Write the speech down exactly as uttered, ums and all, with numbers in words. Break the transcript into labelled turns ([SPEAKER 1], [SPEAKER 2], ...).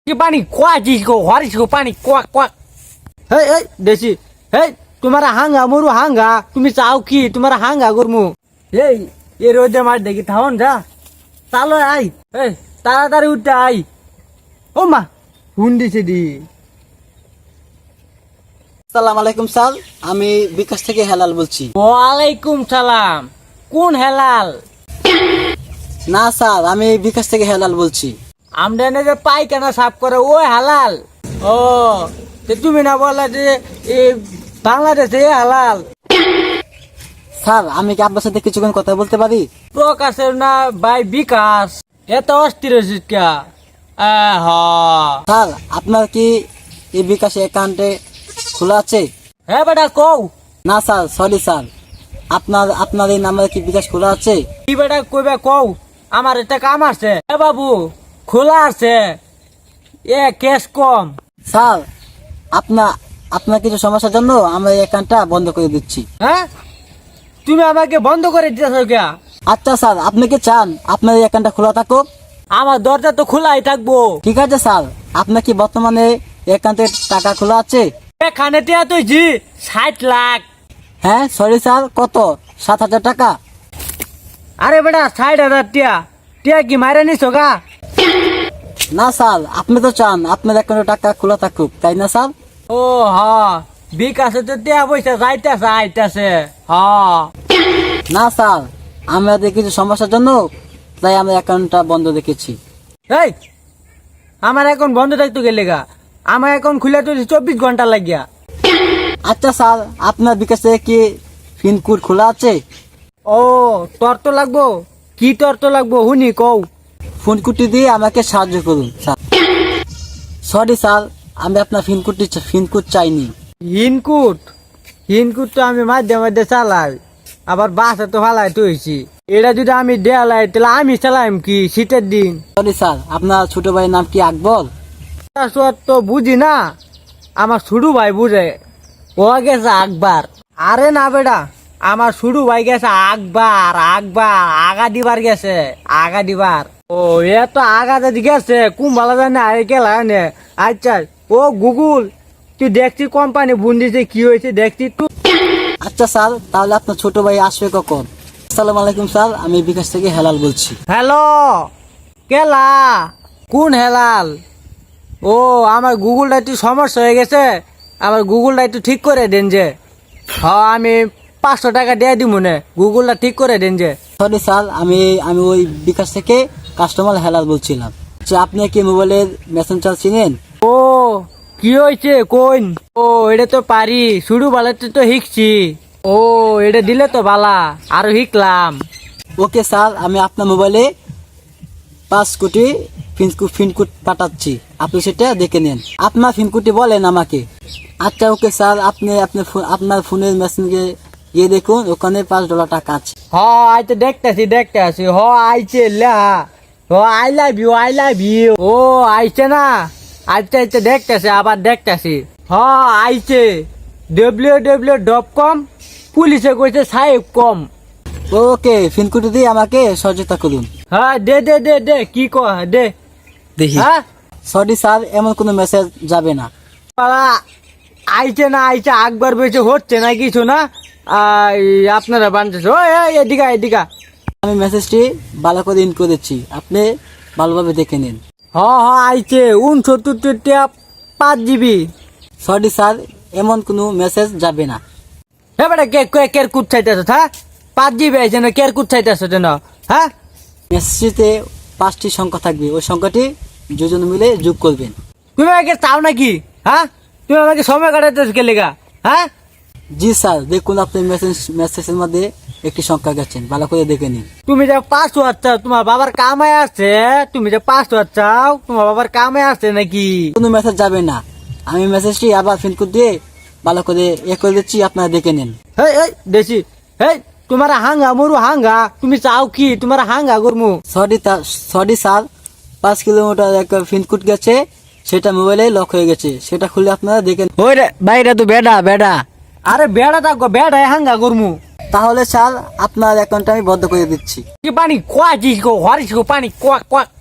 [SPEAKER 1] কি পানি কোয়াজিস গো হরিস গো পানি কোয়া কোয়া হেই এই দেশি হেই তোমার হাঙ্গা মরু হাঙ্গা তুমি চাও কি তোমার হাঙ্গা গরমু এই এ রোদে মার দেখি থাউন যা চালো আই এই তাড়াতাড়ি উঠতে আই ও মা হুন দিছে দি।
[SPEAKER 2] আসসালামু আলাইকুম স্যার, আমি বিকাশ থেকে হেলাল বলছি।
[SPEAKER 1] ওয়ালাইকুম সালাম। কোন হেলাল?
[SPEAKER 2] না স্যার, আমি বিকাশ থেকে হেলাল বলছি।
[SPEAKER 1] আমরা এনে যে পায়খানা সাফ করে ও হালাল। ও তো তুমি না বললা যে এ বাংলাদেশে হালাল।
[SPEAKER 2] স্যার, আমি কি আপনার সাথে কিছুক্ষণ কথা বলতে পারি?
[SPEAKER 1] প্রকাশের না ভাই বিকাশ এত অস্থির হয়েছিস কে? হ
[SPEAKER 2] স্যার, আপনার কি এই বিকাশে অ্যাকাউন্টে খোলা আছে?
[SPEAKER 1] হ্যাঁ বেটা কও।
[SPEAKER 2] না স্যার, সরি স্যার, আপনার আপনার এই নাম্বারে কি বিকাশ খোলা আছে?
[SPEAKER 1] কি বেটা কইবে কও, আমার একটা কাম আছে। এ বাবু খোলা আছে, এ ক্যাশ কম।
[SPEAKER 2] স্যার, আপনার আপনার কিছু সমস্যার জন্য আমরা এই অ্যাকাউন্টটা বন্ধ করে দিচ্ছি।
[SPEAKER 1] হ্যাঁ তুমি আমাকে বন্ধ করে দিতেছ কে?
[SPEAKER 2] আচ্ছা স্যার, আপনি কি চান আপনার এই অ্যাকাউন্টটা খোলা থাকুক?
[SPEAKER 1] আমার দরজা তো খোলাই থাকবো।
[SPEAKER 2] ঠিক আছে স্যার, আপনার কি বর্তমানে অ্যাকাউন্টে টাকা খোলা আছে?
[SPEAKER 1] এখানে টিয়া তুই জি ষাট লাখ।
[SPEAKER 2] হ্যাঁ সরি স্যার, কত? সাত হাজার টাকা?
[SPEAKER 1] আরে বেটা ষাট হাজার টিয়া টিয়া কি মারে নিছ গা?
[SPEAKER 2] না স্যার, আপনি তো চান আপনার অ্যাকাউন্টে টাকা খোলা থাকুক, তাই না স্যার?
[SPEAKER 1] ও হ বিকাশে তো টিয়া পয়সা যাইতেছে আইতেছে। হ
[SPEAKER 2] না স্যার, আমাদের কিছু সমস্যার জন্য তাই আমরা অ্যাকাউন্টটা বন্ধ রেখেছি।
[SPEAKER 1] এই আমার এখন বন্ধ থাকতো গেলে গা, আমার এখন খুলে তো চব্বিশ ঘন্টা লাগিয়া।
[SPEAKER 2] আচ্ছা স্যার, আপনার বিকাশে কি পিনকোড খোলা আছে?
[SPEAKER 1] ও তোর তো লাগবো, কি তোর তো লাগবো হুনি কও।
[SPEAKER 2] ফোন কোডটি দিয়ে আমাকে সাহায্য করুন স্যার। সরি স্যার, আমি আপনার পিনকোডটি পিনকোড চাইনি।
[SPEAKER 1] হিনকুট হিনকুট তো আমি মাঝে মাঝে চালাই, আবার বাসে তো ফালাই তুইছি। এটা যদি আমি দেয়ালাই তাহলে আমি চালাইম কি শীতের দিন?
[SPEAKER 2] সরি স্যার, আপনার ছোট ভাইয়ের নাম কি আকবর?
[SPEAKER 1] তার তো বুঝি না, আমার শুরু ভাই বুঝে, ও গেছে আকবার। আরে না বেটা, আমার শুরু ভাই গেছে আকবার। আকবার আগা দিবার গেছে, আগা দিবার। ও এ তো আগা যদি গেছে কুম্বালা জানে আরে গেলা নে। আচ্ছা ও গুগল, তুই দেখছি কোম্পানি বুন দিছে কি হয়েছে দেখছি তুই।
[SPEAKER 2] আচ্ছা স্যার, তাহলে আপনার ছোট ভাই আসবে কখন? আসসালামু আলাইকুম স্যার, আমি বিকাশ থেকে হেলাল বলছি।
[SPEAKER 1] হ্যালো কেলা, কোন হেলাল? ও আমার গুগলটা একটু সমস্যা হয়ে গেছে, আমার গুগলটা একটু ঠিক করে দেন যে। হ্যাঁ আমি পাঁচশো টাকা দিয়ে দিব মনে, গুগলটা ঠিক করে দেন যে।
[SPEAKER 2] সরি স্যার, আমি আমি ওই বিকাশ থেকে কাস্টমার হেলাল বলছিলাম। আচ্ছা, আপনি কি মোবাইলের মেসেঞ্জার চিনেন?
[SPEAKER 1] ও কি হয়েছে কোন? ও এটা তো পারি, শুরু বালাতে তো শিখছি। ও এটা দিলে তো বালা, আরো শিখলাম।
[SPEAKER 2] ওকে স্যার, আমি আপনার মোবাইলে পাঁচ কোটি পিনকোড পিনকোড পাঠাচ্ছি, আপনি সেটা দেখে নেন। আপনার পিনকোডটি বলেন আমাকে। আচ্ছা ওকে স্যার, আপনি আপনার আপনার ফোনের মেসেঞ্জে গিয়ে দেখুন, ওখানে পাঁচ ডলার টাকা আছে।
[SPEAKER 1] হ আইতে দেখতেছি দেখতেছি হ আইছে লা। হ I love you I love you. ও আইছে না, আইতে আইতে দেখতেছি আবার দেখতেছি। হ আইছে ডব্লিউ ডব্লিউ ডট কম, পুলিশে কইছে সাহেব কম।
[SPEAKER 2] ওকে, পিনকোডটি দিয়ে আমাকে সহযোগিতা করুন।
[SPEAKER 1] হ্যাঁ দে দে দে দে কি কহ দে
[SPEAKER 2] দেখি।
[SPEAKER 1] হ্যাঁ
[SPEAKER 2] সরি স্যার, এমন কোনো মেসেজ যাবে না।
[SPEAKER 1] পালা আইছে না আইছে আকবার বেঁচে হচ্ছে না কিছু না। আই, আপনারা বানতেছে ওই ওই, এদিকা এদিকা।
[SPEAKER 2] আমি মেসেজটি ভালো করে ইন করেছি, আপনি ভালোভাবে দেখে নিন।
[SPEAKER 1] হ হ আইছে উনসত্তর টিয়া পাঁচ জিবি।
[SPEAKER 2] সরি স্যার, এমন কোনো মেসেজ যাবে না।
[SPEAKER 1] হ্যাঁ বেটা কে কে কের কুট চাইতেছ? হ্যাঁ পাঁচ জিবি আইছে না, কের কুট চাইতেছ যেন? হ্যাঁ
[SPEAKER 2] মেসেজটিতে পাঁচটি সংখ্যা থাকবে, ওই সংখ্যাটি দুজন মিলে যোগ করবেন।
[SPEAKER 1] তুমি আমাকে চাও নাকি? হ্যাঁ তুমি আমাকে সময় কাটাইতেছ কে লেগা? হ্যাঁ
[SPEAKER 2] জি স্যার, দেখুন আপনি মেসেজ মেসেজের মধ্যে একটি সংখ্যা গেছেন, ভালো করে দেখে নিন।
[SPEAKER 1] তুমি যে পাসওয়ার্ড চাও, তোমার বাবার কামাই আসছে। তুমি যে পাসওয়ার্ড চাও, তোমার বাবার কামাই আসছে নাকি?
[SPEAKER 2] কোনো মেসেজ যাবে না, আমি মেসেজটি আবার পিনকোড দিয়ে ভালো করে এ করে দিচ্ছি, আপনারা দেখে নিন।
[SPEAKER 1] হেই এই দেশি হেই তোমার হাঙ্গা মরু হাঙ্গা, তুমি চাও কি তোমার হাঙ্গা গরমু?
[SPEAKER 2] সরি সরি স্যার, পাঁচ কিলোমিটার এক পিনকোড গেছে, সেটা মোবাইলে লক হয়ে গেছে, সেটা খুলে আপনারা দেখেন।
[SPEAKER 1] ওই রে বাইরে তো বেডা বেডা। আরে বেড়া থাকো বেড়া হাঙ্গা গরমু।
[SPEAKER 2] তাহলে স্যার, আপনার অ্যাকাউন্টটা আমি বন্ধ করে দিচ্ছি।
[SPEAKER 1] কি পানি কোয়া জিস গো হরিস গো পানি কোয়া কোয়া।